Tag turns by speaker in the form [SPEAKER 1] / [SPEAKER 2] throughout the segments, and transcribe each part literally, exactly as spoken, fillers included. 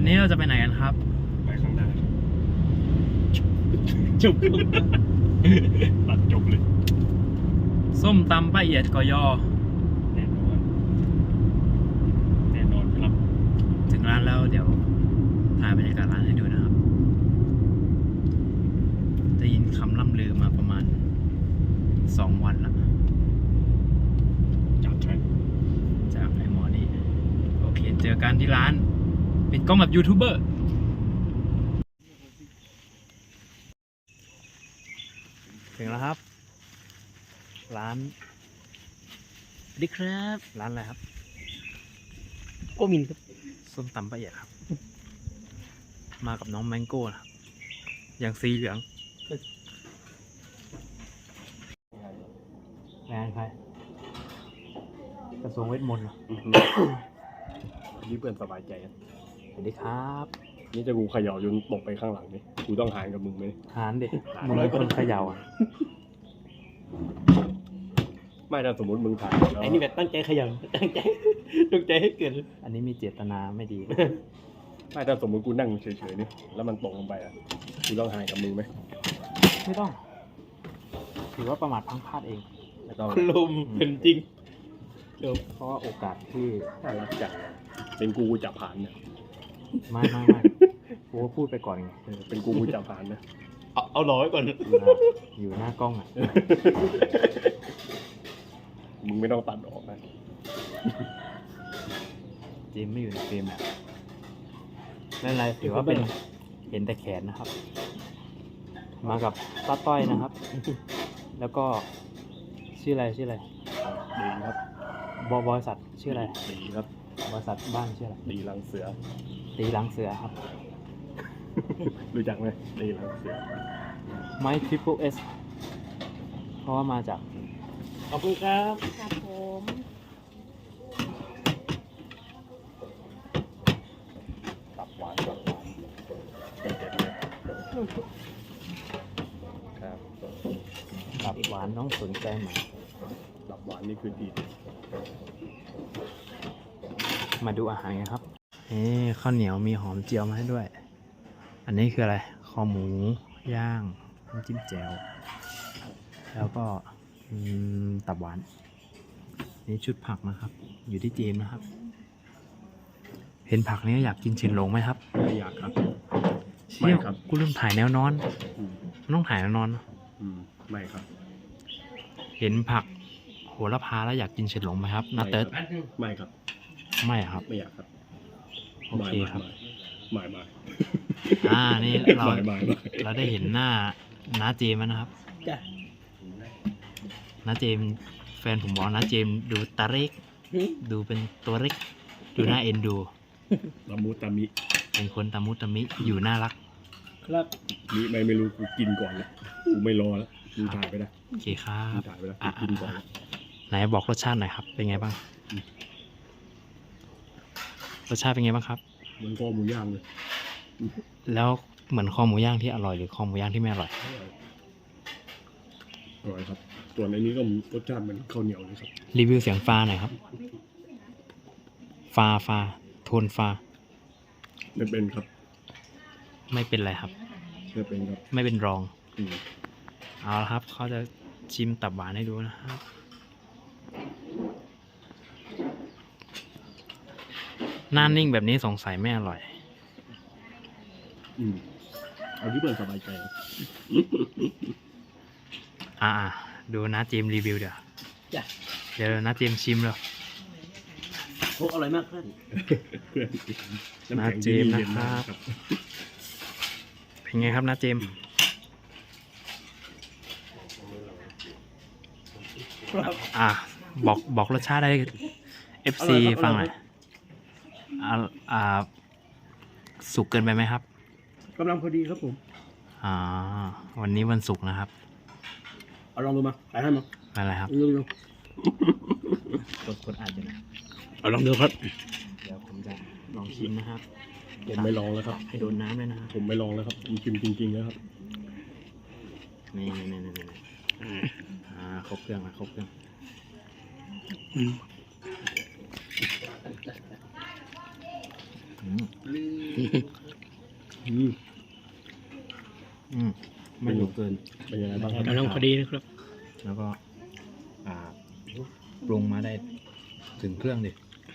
[SPEAKER 1] วันนี้เราจะไปไหนกันครับ
[SPEAKER 2] ไปข้างหน้าจบตัดจบเลย
[SPEAKER 1] ส้มตำป้าเอียดกอยอ
[SPEAKER 2] แน่นอนแน่นอนครับ
[SPEAKER 1] ถึงร้านแล้วเดี๋ยวถ่ายบรรยากาศร้านให้ดูนะครับได้ยินคำล่ำลือมาประมาณสองวันแล้ว
[SPEAKER 2] จากใคร
[SPEAKER 1] จากไอ้หมอนี่โอเคเจอกันที่ร้านปิดกล้องแบบยูทูบเบอร์ถึงแล้วครับร้านสวัสดีครับร้านอะไรครับ
[SPEAKER 2] โกมินครับ
[SPEAKER 1] ส้มตำป้าเอียดครับมากับน้องแมงโก้นะครับอย่างสีเหลืองงานใครกระทรวงเวทมนต์เหรอ
[SPEAKER 2] นี่เพื่อนสบายใจอ่ะ
[SPEAKER 1] สวัสดีครับ
[SPEAKER 2] นี่จะกูเขย่าจนตกไปข้างหลังนี่กูต้องหานกับมึงไหม
[SPEAKER 1] หานดิมึงเป็นคนเขย่าอ่ะ
[SPEAKER 2] ไม่ถ้าสมมติมึงถ่าย
[SPEAKER 3] ไอ้นี่แบบตั้งใจเขย่าตั้งใจตั้งใจให้เกิด
[SPEAKER 1] อันนี้มีเจตนาไม่ดี
[SPEAKER 2] ไม่ถ้าสมมติกูนั่งเฉยๆนี่แล้วมันตกลงไปอ่ะกูต้องหานกับมึงไหม
[SPEAKER 1] ไม่ต้องถือว่าประมาทพลั้งพลาดเอง
[SPEAKER 2] ไม่ต้อง
[SPEAKER 3] ลมเป็นจริง
[SPEAKER 1] เพราะว่าโอกาสที่
[SPEAKER 2] น่ารักจังเป็นกูกูจับผ่านเนี่ย
[SPEAKER 1] ไม่ไม่ไม่กูก็พูดไปก่อนไง
[SPEAKER 2] เป็นกูกูจับผ่านนะ
[SPEAKER 3] เอาเอาร้อยก่อน
[SPEAKER 1] อยู่หน้ากล้องอ่ะ
[SPEAKER 2] มึงไม่ต้องตัดออกนะ
[SPEAKER 1] เจมไม่อยู่ในเฟรมอ่ะไม่เป็นไรถือว่าเป็นเห็นแต่แขนนะครับมากับต้าต้อยนะครับ แล้วก็ชื่ออะไรชื่ออะไร
[SPEAKER 2] ดีครับ
[SPEAKER 1] บริษัทชื่ออะไร
[SPEAKER 2] ดีครับ
[SPEAKER 1] บริษัทบ้านชื่ออะไร
[SPEAKER 2] ดีหลังเสือ
[SPEAKER 1] ตีหลังเสือครับ
[SPEAKER 2] รู้จักไหมดีหลังเสือ
[SPEAKER 1] ไม้ทริปเปิลเอสเพราะว่ามาจาก
[SPEAKER 3] ขอบคุณครับ
[SPEAKER 4] ครับผม
[SPEAKER 2] ตับหวานตับหวานเด็ดๆเลยครับ
[SPEAKER 1] ตับหวานน้องสนใจไหม
[SPEAKER 2] ตับหวานนี่คือดี
[SPEAKER 1] มาดูอาหารกันครับนี่ข้าวเหนียวมีหอมเจียวมาให้ด้วยอันนี้คืออะไรคอหมูย่างน้ำจิ้มแจ่วแล้วก็ตับหวานนี่ชุดผักนะครับอยู่ที่เจมนะครับเห็นผักนี้อยากกินเฉินหลงไหมครับ
[SPEAKER 2] ไม่อยากครับ
[SPEAKER 1] ไม่ครับกูลืมถ่ายแนวนอนต้องถ่ายแนวนอน
[SPEAKER 2] ไม่ครับ
[SPEAKER 1] เห็นผักโหระพาแล้วอยากกินเฉินหลงไหมครับนาเติร์ด
[SPEAKER 2] ไม่ครับ
[SPEAKER 1] ไม่ครับ
[SPEAKER 2] ไม่อยากครับ
[SPEAKER 1] โอเคครับ
[SPEAKER 2] ไม่ไม่
[SPEAKER 1] อ่านี่เราเราได้เห็นหน้าน้าเจมนะครับ
[SPEAKER 3] จ้ะ
[SPEAKER 1] น้าเจมแฟนผมบอกน้าเจมดูตาเล็กดูเป็นตัวเล็กดูน่าเอ็นดู
[SPEAKER 2] ตามุตามิ
[SPEAKER 1] เป็นคนตามุตามิอยู่น่ารัก
[SPEAKER 3] ครับ
[SPEAKER 2] นี่ไม่ไม่รู้กูกินก่อนเลยกูไม่รอแล้วกูถ่ายไปได้
[SPEAKER 1] โอเคครับ
[SPEAKER 2] ถ่ายไปแล้วกินก่อน
[SPEAKER 1] ไหนบอกรสชาติหน่อยครับเป็นไงบ้างรสชาติเป็นไงบ้างครับ
[SPEAKER 2] เหมือนคอหมูย่างเลย
[SPEAKER 1] แล้วเหมือนคอหมูย่างที่อร่อยหรือคอหมูย่างที่ไม่อร่อย
[SPEAKER 2] อร่อยครับส่วนในนี้ก็รสชาติเหมือนข้าวเหนียวเลยครับ
[SPEAKER 1] รีวิวเสียงฟ้าหน่อยครับฟ้าฟ้าโทนฟ้า
[SPEAKER 2] ไม่เป็นครับ
[SPEAKER 1] ไม่เป็นไรครับ
[SPEAKER 2] ไม่เป็นครับ
[SPEAKER 1] ไม่เป็นรองเอาละครับเขาจะชิมตับหวานให้ดูนะครับหน้านิ่งแบบนี้สงสัยไม่อร่อย
[SPEAKER 2] อืมเอาที่เพื่อนสบายใจ
[SPEAKER 1] อ่าดูนะเจมรีวิวเดี๋ยวเดี๋ยวนะเจมชิมเลย
[SPEAKER 3] โอ้อร่อยมากเพื่อน
[SPEAKER 2] เพื่อน
[SPEAKER 1] นะเจมนะครับเป็นไงครับนะเจมอ่าบอกบอกรสชาติได้ เอฟ ซี ฟังหน่อยอ่าอ่าสุกเกินไปไหมครับ
[SPEAKER 3] กำลังพอดีครับผม
[SPEAKER 1] อ่าวันนี้วันศุกร์นะครับ
[SPEAKER 3] เอาลองดูมาถ่ายให้มา
[SPEAKER 1] อะไรครับ
[SPEAKER 3] ลองดู
[SPEAKER 1] กดกดอ่านอยู่นะ
[SPEAKER 3] เอาลองดูครับ
[SPEAKER 1] เดี๋ยวผมจะลองชิมนะครับ
[SPEAKER 2] ผมไม่ลองแล้วครับ
[SPEAKER 1] ให้โดนน้ำเลยนะครับ
[SPEAKER 2] ผมไม่ลองแล้วครับผมชิมจริงๆแล้วครับ
[SPEAKER 1] นี่นี่นี่นี่อ่าครบเครื่องนะครบเครื่องอืมอืมอืมไม่หนุกเกิน
[SPEAKER 2] เป็นยังไงบ้างครับ
[SPEAKER 3] กำลังพอดีนะครับ
[SPEAKER 1] แล้วก็ อ่าปรุงมาได้ถึงเครื่องดิ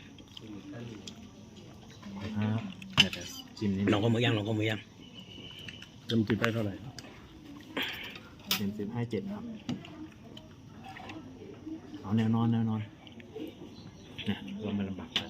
[SPEAKER 1] ครับเดี๋ยวจะจิ้มนิด
[SPEAKER 3] ลองก็มือย่างลองก็มือย่าง
[SPEAKER 2] น้ำจิ้มได้เท่าไหร่
[SPEAKER 1] เต็มสิบให้เจ็ดครับ เอาแนวนอนแนวนอนนะเราไม่ลำบากนะ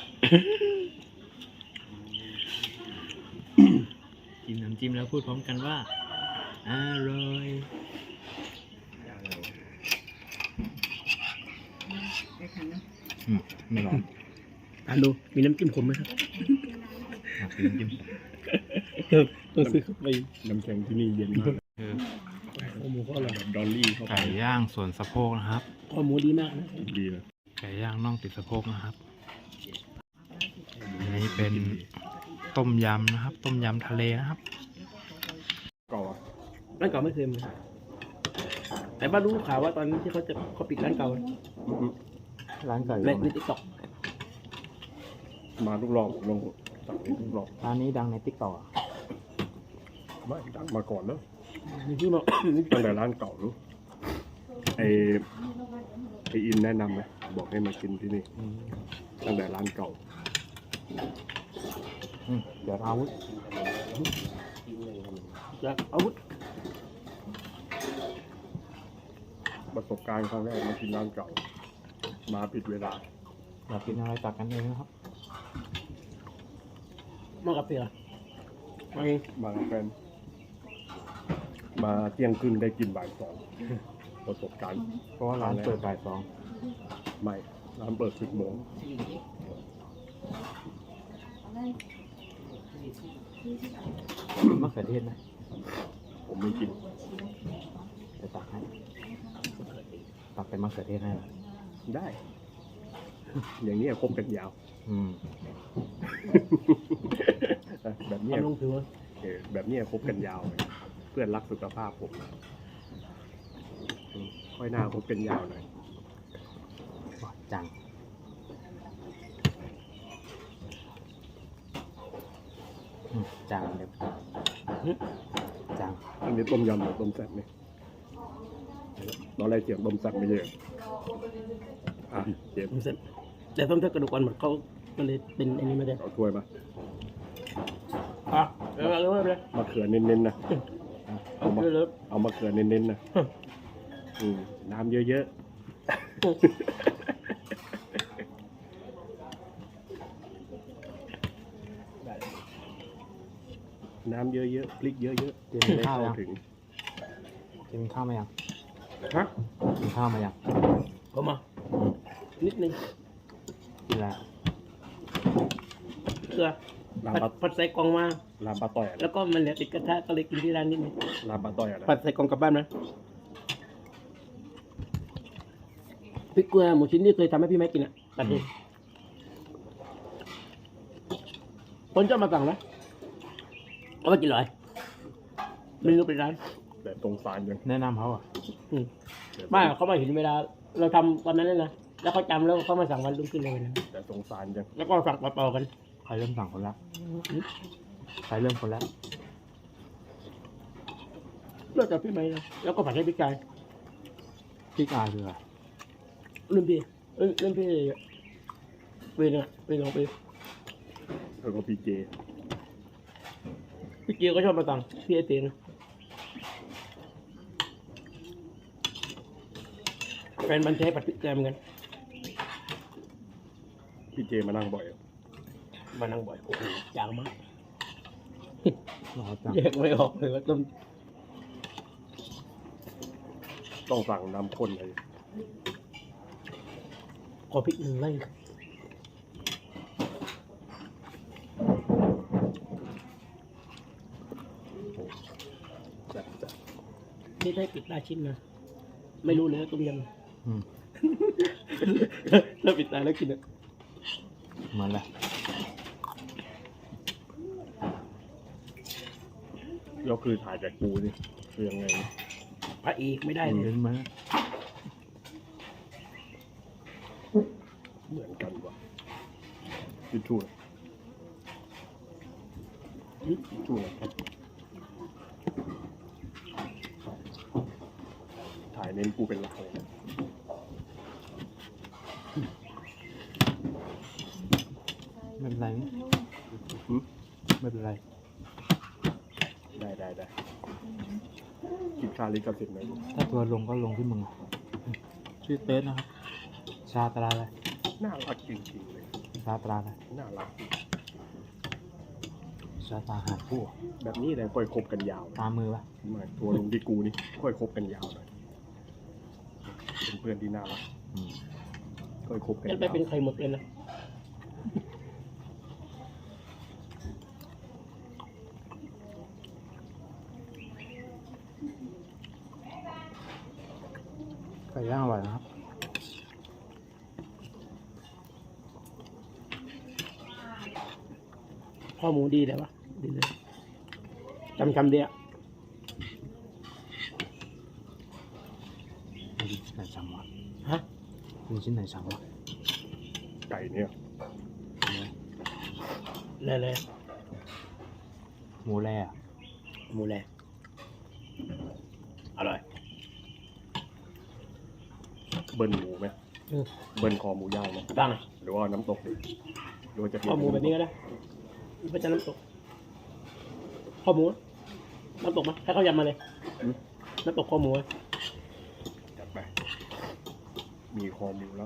[SPEAKER 1] กินน้ำจิ้มแล้วพูดพร้อมกันว่า อร่อย อืมไม่ร้อน
[SPEAKER 3] ทานดูมีน้ำจิ้มขมไหมครับ
[SPEAKER 1] อ่ะกินน้ำจิ้ม
[SPEAKER 3] ต้องซื้อเข้าไป
[SPEAKER 2] น้ำแข็งที่นี่เย็นมาก
[SPEAKER 1] คือ
[SPEAKER 3] ข้อหมูก็อร่อย
[SPEAKER 2] แบบดอลลี่เข้าไป
[SPEAKER 1] ไก่ย่างส่วนสะโพกนะครับ
[SPEAKER 3] ข้อหมูดีมากนะ
[SPEAKER 2] ดีนะ
[SPEAKER 1] ไก่ย่างน่องติดสะโพกนะครับ อันนี้เป็นต้มยำนะครับ ต้มยำทะเลนะครับ
[SPEAKER 2] ก่อน
[SPEAKER 3] ร้านเก่าไม่เคยมาแต่บ้านรู้ข่าวว่าตอนที่เขาจะเขาปิดร้านเก่า
[SPEAKER 1] ร้านไก่
[SPEAKER 3] ในในติ๊กต็อก
[SPEAKER 2] มาทุกรอบลงสั่งนี้ทุกรอบ
[SPEAKER 1] ร้านนี้ดังในติ๊กต็อก
[SPEAKER 2] ไม่ดังมาก่อนแล้ว
[SPEAKER 3] มีที่มา
[SPEAKER 2] ตั้งแต่ร้านเก่ารู้ไอไออินแนะนำไหมบอกให้มากินที่นี่ตั้งแต่ร้านเก่า
[SPEAKER 1] อืมเดี๋ยวอาวุธ
[SPEAKER 3] จากอาวุธ
[SPEAKER 2] ประสบการณ์ครั้งแรกมากินร้านเก่า มาผิดเวลา
[SPEAKER 1] อยากกินอะไรตักกันเองนะครับ
[SPEAKER 3] มากับเสือมาเอง
[SPEAKER 2] มากับแฟนมาเที่ยงครึ่งได้กินบ่ายสองประสบการณ์
[SPEAKER 1] เพราะว่าร้านเปิดบ่ายสอง
[SPEAKER 2] ไม่ร้านเปิดสิบโมง
[SPEAKER 1] มะเขือเทศไหม
[SPEAKER 2] ผมไม่กิน
[SPEAKER 1] จะตักให้ ตักเป็นมะเขือเทศให้เหรอ
[SPEAKER 2] ได้ อย่างนี้คบกันยาว
[SPEAKER 1] อืม
[SPEAKER 2] แบบเนี้ย
[SPEAKER 3] ทำลงถือว่า
[SPEAKER 2] เออแบบเนี้ยคบกันยาวเลยเพื่อนรักสุขภาพผมอืมค่อยหน้าคบกันยาวหน่อย
[SPEAKER 1] ว้าจัง อืมจังเดี๋ยวจัง
[SPEAKER 2] อันนี้ต้มยำหรือต้มแซ่บเนี่ยตอนแรกเสียงต้มแซ่บไม่เยอะอ่ะเจ็บ
[SPEAKER 3] ผมเสร็จแต่ต้มเท่ากระดูกอ่อนหมดเขามันเลยเป็นอันนี้มาได้
[SPEAKER 2] เอาถ้วยมา
[SPEAKER 3] อ่ะเออเอาเลย
[SPEAKER 2] มะเขือเน้นๆนะ
[SPEAKER 3] เอาไปเลย
[SPEAKER 2] เอามะเขือเน้นๆนะอืมน้ำเยอะๆ น้ำเยอะๆ พริกเยอะๆ
[SPEAKER 1] กิน
[SPEAKER 2] จะได้
[SPEAKER 1] ข้าว
[SPEAKER 2] เข้า
[SPEAKER 1] ยัง
[SPEAKER 2] ถึง
[SPEAKER 1] กินข้าวมายัง
[SPEAKER 3] ฮะ
[SPEAKER 1] กินข้าวมายัง
[SPEAKER 3] เข้ามานิดนึง
[SPEAKER 1] กินอะไร
[SPEAKER 3] เกลือ
[SPEAKER 2] ลา
[SPEAKER 3] ผัด
[SPEAKER 2] บะ
[SPEAKER 3] ผัดใส่กล่องมา
[SPEAKER 2] ลาบะต่อยอะไร
[SPEAKER 3] แล้วก็มันเหลือติดกระทะก็เลยกินที่ร้านนิดนึง
[SPEAKER 2] ลาบะต่อยอะไร
[SPEAKER 3] ผัดใส่กล่องกลับบ้านนะพริกเกลือหมูชิ้นที่เคยทำให้พี่แม่กินอ่ะตัดเองคนชอบมาสั่งนะเอาไปกินเลยเมนูเป็นร้าน
[SPEAKER 2] แต่ตรงสารยัง
[SPEAKER 1] แนะนำเขาอ่ะ
[SPEAKER 3] อืมไม่เขามาเห็นเวลา เราทำตอนนั้นเลยนะแล้วเขาจำแล้วเขามาสั่งวันรุ่งขึ้นเลยนะ
[SPEAKER 2] แต่ตรงสารยัง
[SPEAKER 3] แล้วก็สั่งต่อๆกัน
[SPEAKER 1] ใครเริ่มสั่งคนแรกใครเริ่มคนแรก
[SPEAKER 3] เลิกจากพี่ไหมนะแล้วก็ผัดให้พี่กาย
[SPEAKER 1] พี่กายคืออะไร
[SPEAKER 3] รุ่นพี่เอ้ยรุ่นพี่ปีนึงอะปีสองปี
[SPEAKER 2] แล้วก็พีเจ
[SPEAKER 3] พี่เกียวก็ชอบมาสั่งพี่ไอเตียนแฟนมันใช้ผัดพริกแกงเหมือนกัน
[SPEAKER 2] พีเจมานั่งบ่อยอะ
[SPEAKER 3] มานั่งบ่อยโอ้โหจางมาก
[SPEAKER 1] รอจัง
[SPEAKER 3] แยกไม่ออกเลยว่าต้ม
[SPEAKER 2] ต้องสั่งน้ำข้นเลย
[SPEAKER 3] ขอพริกหนึ่งไล่
[SPEAKER 2] แบบจะ
[SPEAKER 3] นี่ได้ปิดตาชิ้นนะไม่รู้เลยว่าต้มย
[SPEAKER 1] อืม
[SPEAKER 3] ำ ถ้าปิดตาแล้วกินอะ
[SPEAKER 1] เหมือนแหละ
[SPEAKER 2] ก็คือถ่ายจากกูนี่คือยังไง
[SPEAKER 3] พระเอกไม่ได้เล
[SPEAKER 1] เห็
[SPEAKER 3] ย
[SPEAKER 1] นไหม
[SPEAKER 2] เหมือนกันวะทิชชู่ช่วยครับถ่ายเน้นกูเป็นหลักเลยนะ
[SPEAKER 1] ไม่เป็นไรนี่
[SPEAKER 2] หืม
[SPEAKER 1] ไม่เป็นไร
[SPEAKER 2] ได้ได้ได้คิดค่าลิขสิทธิ์ไหม
[SPEAKER 1] ถ้าตัวลงก็ลงที่มึงชื่อเติร์ดนะครับ ชาตราอะไร
[SPEAKER 2] น่ารักจริงๆเลย
[SPEAKER 1] ชาตราอะไร
[SPEAKER 2] น่ารักจริง
[SPEAKER 1] ชาตราหาผู้
[SPEAKER 2] แบบนี้เลยค่อยคบกันยาว
[SPEAKER 1] ตามมือปะ
[SPEAKER 2] มาตัวลงที่กูนี่ค่อยคบกันยาวหน่อยเป็นเพื่อนที่น่ารัก
[SPEAKER 1] อืม
[SPEAKER 2] ค่อยคบกัน
[SPEAKER 3] จะ
[SPEAKER 2] ยาว
[SPEAKER 3] ไปเป็นใครหมดเลยนะ
[SPEAKER 1] ไก่ย่างอร่อยนะครับ
[SPEAKER 3] ข้อหมูดีเลยวะดีเลยจำคำเดียว
[SPEAKER 1] มีชิ้นไหนซ้ำวะ
[SPEAKER 3] ฮะ
[SPEAKER 1] มีชิ้นไหนซ้ำวะ
[SPEAKER 2] ไก่เนี่ย
[SPEAKER 3] เลยเลย
[SPEAKER 1] หมูแร่อะ
[SPEAKER 3] หมูแลอร่อย
[SPEAKER 2] เบิ้ลหมูไหม
[SPEAKER 3] อืม
[SPEAKER 2] เบิ้ลคอหมูย่างไหม
[SPEAKER 3] ตั้ง
[SPEAKER 2] หรือว่าน้ำตกดิหรือว่าจะ
[SPEAKER 3] ข้อหมูแบบนี้ก็ได้ไม่ใช่น้ำตกข้อหมูน้ำตกมาให้เขายำมาเลย
[SPEAKER 2] อืม
[SPEAKER 3] น้ำตกข้อหมู
[SPEAKER 2] จัดไป มีคอหมูแล้ว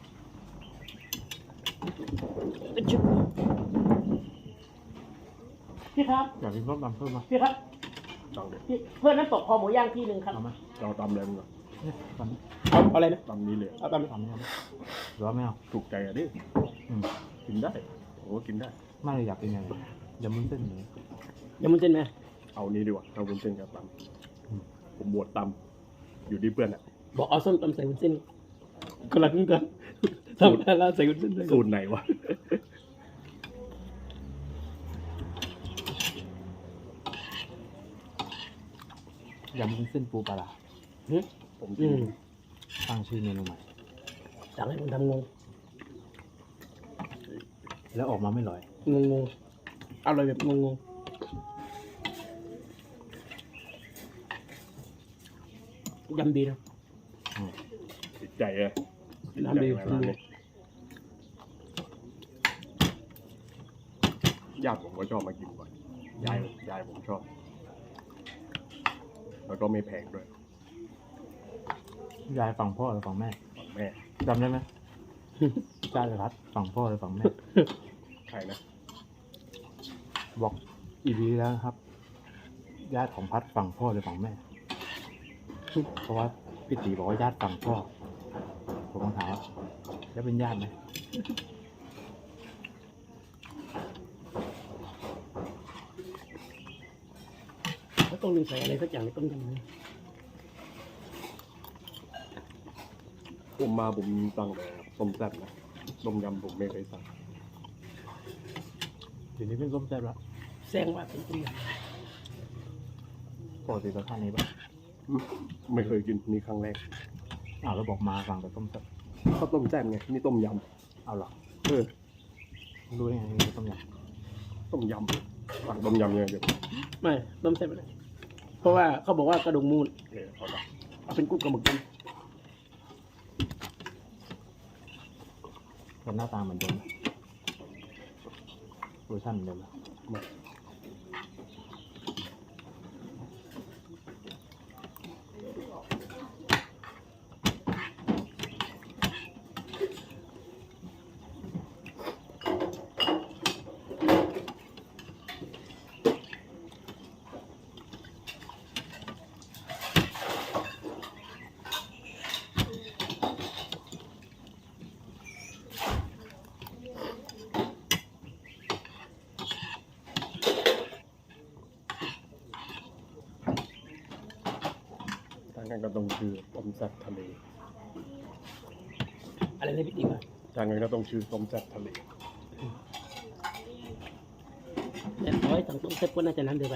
[SPEAKER 3] พี่ครับ
[SPEAKER 1] อยากกินส้มตำเพิ่มมา
[SPEAKER 3] พี่ครับ
[SPEAKER 2] ตังเด็ด
[SPEAKER 3] พี่เพื่อนน้ำตกคอหมูย่างที่หนึ่งครับ
[SPEAKER 1] เอาไหม
[SPEAKER 2] เราตำเลยมึงอะ
[SPEAKER 1] เนี่ยตำนี้
[SPEAKER 3] เอาเอาอะไรนะ
[SPEAKER 2] ตำนี้เลย
[SPEAKER 3] เอาตาม
[SPEAKER 1] ตำนี้เอาไหมหรือว่าไม่เอา
[SPEAKER 2] ถูกใจอ่ะดิ
[SPEAKER 1] อืม
[SPEAKER 2] กินได้โอ้กินได้
[SPEAKER 1] ไม่เลยอยากกินยังไงยำมุ้นเส้นหมู
[SPEAKER 3] ยำมุ้นเส้นไหม
[SPEAKER 2] เอานี้ดีกว่าเอาวุ้นเส้นกับต
[SPEAKER 1] อืม
[SPEAKER 2] ำผมบวชตำอยู่ที่เพื่อนอ่ะ
[SPEAKER 3] บอกเอาส้มตำใส่วุ้นเส้นคนละครึ่งกันทำได้แล้วใส่วุ้นเส้นด้วย
[SPEAKER 2] สูตรไหนวะ
[SPEAKER 1] ยำมุ้นเส้นปูปลาร้า
[SPEAKER 3] หึ
[SPEAKER 2] ผมกิ
[SPEAKER 3] อื
[SPEAKER 2] น
[SPEAKER 3] ม
[SPEAKER 1] ตั้งชื่อเมนูใหม่
[SPEAKER 3] สั่งให้ผมทำงง
[SPEAKER 1] แล้วออกมาไม่อร่อย
[SPEAKER 3] งงงอร่อยแบบงงงยำดีนะ
[SPEAKER 1] อืม
[SPEAKER 2] ติดใจเลยติดใจ
[SPEAKER 3] น้ำดี
[SPEAKER 2] ไหมร้านนี้ญาติผมก็ชอบมากินบ่อยยายยายผมชอบ แล้วก็ไม่แพงด้วย
[SPEAKER 1] ยายฝั่งพ่อหรือฝั่งแม่
[SPEAKER 2] ฝั่งแม่
[SPEAKER 1] จำได้ไหม จ้าจะรัดฝั่งพ่อหรือฝั่งแม่
[SPEAKER 2] ใครนะ
[SPEAKER 1] บอกอีพีแล้วนะครับ ญาติของพัดฝั่งพ่อหรือฝั่งแม่ เพราะว่าพี่ตีบอกว่าญาติฝั่งพ่อ ผมต้องถามว่าแล้วเป็นญาติไหม
[SPEAKER 3] เขาต้องมีใส่อะไรสักอย่างในต้มยำนะ
[SPEAKER 2] ผมมาผมสั่งแต่ต้มแซ่บนะต้มยำผมไม่เคยสั่ง
[SPEAKER 1] เดี๋ยวนี้เป็นส้มแซ่บแล้ว
[SPEAKER 3] แซงว่าเป็นต้มย
[SPEAKER 1] ปกติจะทานนี้ปะ
[SPEAKER 2] อืมไม่เคยกินนี่ครั้งแรก
[SPEAKER 1] อ้าวแล้วบอกมาฝั่งแต่ต้มแซ่บ
[SPEAKER 2] ข้าวต้มแซ่บไงนี่ต้มย
[SPEAKER 1] เอาเหรอ
[SPEAKER 2] ำเออ
[SPEAKER 1] รู้ได้ไงนี่คือต้มย
[SPEAKER 2] ต้มยำสั่งต้มยำเนี่ยเดี๋ยว
[SPEAKER 3] ำไม่ต้มแซ่บอะไรเพราะว่าเขาบอกว่ากระดูกมูล
[SPEAKER 2] เออเอาละ
[SPEAKER 3] เอาเป็นกุ้งกับหมึกกัน
[SPEAKER 1] ำแต่หน้าตาเหมือนเดิมนะรสชาติเหมือนเดิมนะ
[SPEAKER 2] มา ทางกันก็ต้องชื่อต้มแซ่บทะเล
[SPEAKER 3] อะไรนะพี่ตีว่า
[SPEAKER 2] ทางกันก็ต้องชื่อต้มแซ่บทะเล
[SPEAKER 3] แต่ร้อยสั่งต้มแซ่บก็น่าจะน้ำเดียวกัน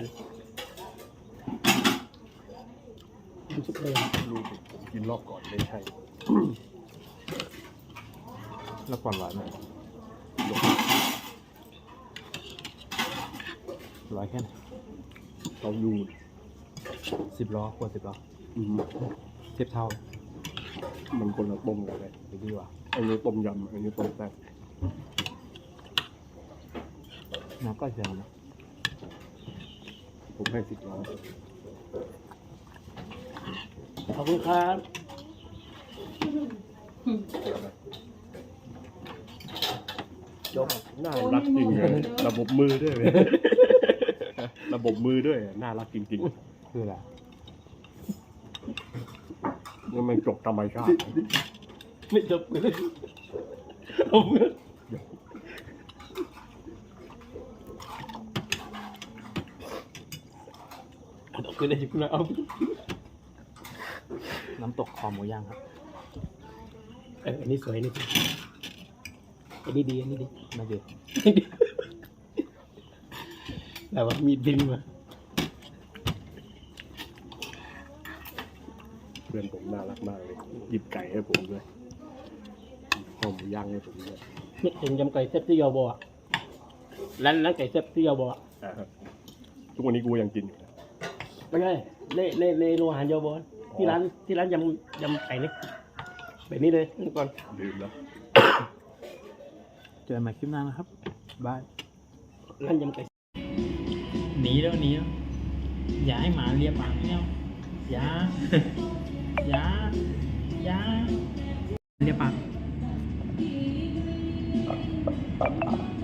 [SPEAKER 3] น้ำซุปเลย
[SPEAKER 2] รู้สิผมกินรอบก่อนไม่ใช่
[SPEAKER 1] แล้วก่อนหวานไหม
[SPEAKER 2] หลบ
[SPEAKER 1] ร้อยแค่ไหน
[SPEAKER 2] เราอยู่
[SPEAKER 1] สิบล้อขวดสิบล้อ
[SPEAKER 2] อืม
[SPEAKER 1] เทียบเท่า
[SPEAKER 2] มันคนละต้มกันเลย
[SPEAKER 1] หรือดีกว่า
[SPEAKER 2] อันนี้ต้มยำอันนี้ต้มแซ่บ
[SPEAKER 1] น้ำก็เชียวนะ
[SPEAKER 2] ผมให้สิบล้อ
[SPEAKER 3] ขอบคุณครับ
[SPEAKER 2] จบน่ารักจริงเลยระบบมือด้วยเลยระบบมือด้วยน่ารักจริง
[SPEAKER 1] คืออะไร
[SPEAKER 2] ๆนี่มันจบธรรมชาติ
[SPEAKER 3] ไม่จบเลยเอาเงินเอาเงินได้จุกนะเอา
[SPEAKER 1] น้ำตกคอหมูย่างครับ
[SPEAKER 3] เอออันนี้สวยนี่อันนี้ดีอันนี้ดี
[SPEAKER 1] ไม่ดี
[SPEAKER 3] แต่ว่ามีดินมา
[SPEAKER 2] เพื่อนผมน่ารักมากเลยหยิบไก่ให้ผมด้วยข้าวหมูย่างให้ผมด้วย
[SPEAKER 3] นึกถึงยำไก่เซ็ตที่ยอบัวร้านร้านไก่เซ็ตที่ยอบัว
[SPEAKER 2] อ่าฮะทุกวันนี้กูยังกินอยู่นะ
[SPEAKER 3] ไม่ใช่ในในในโรงอาหารยอบัวที่ร้านที่ร้านยำยำไก่นี่แบบนี้เลยนี่ก่อน
[SPEAKER 2] ลืมแล้ว
[SPEAKER 1] เจอกันใหม่คลิปหน้านะครับบาย
[SPEAKER 3] ร้านยำไก่
[SPEAKER 1] หนีแล้วหนีแล้วอย่าให้หมาเลียปากไม่เอาอย่า อย่าอย่าเลียปาก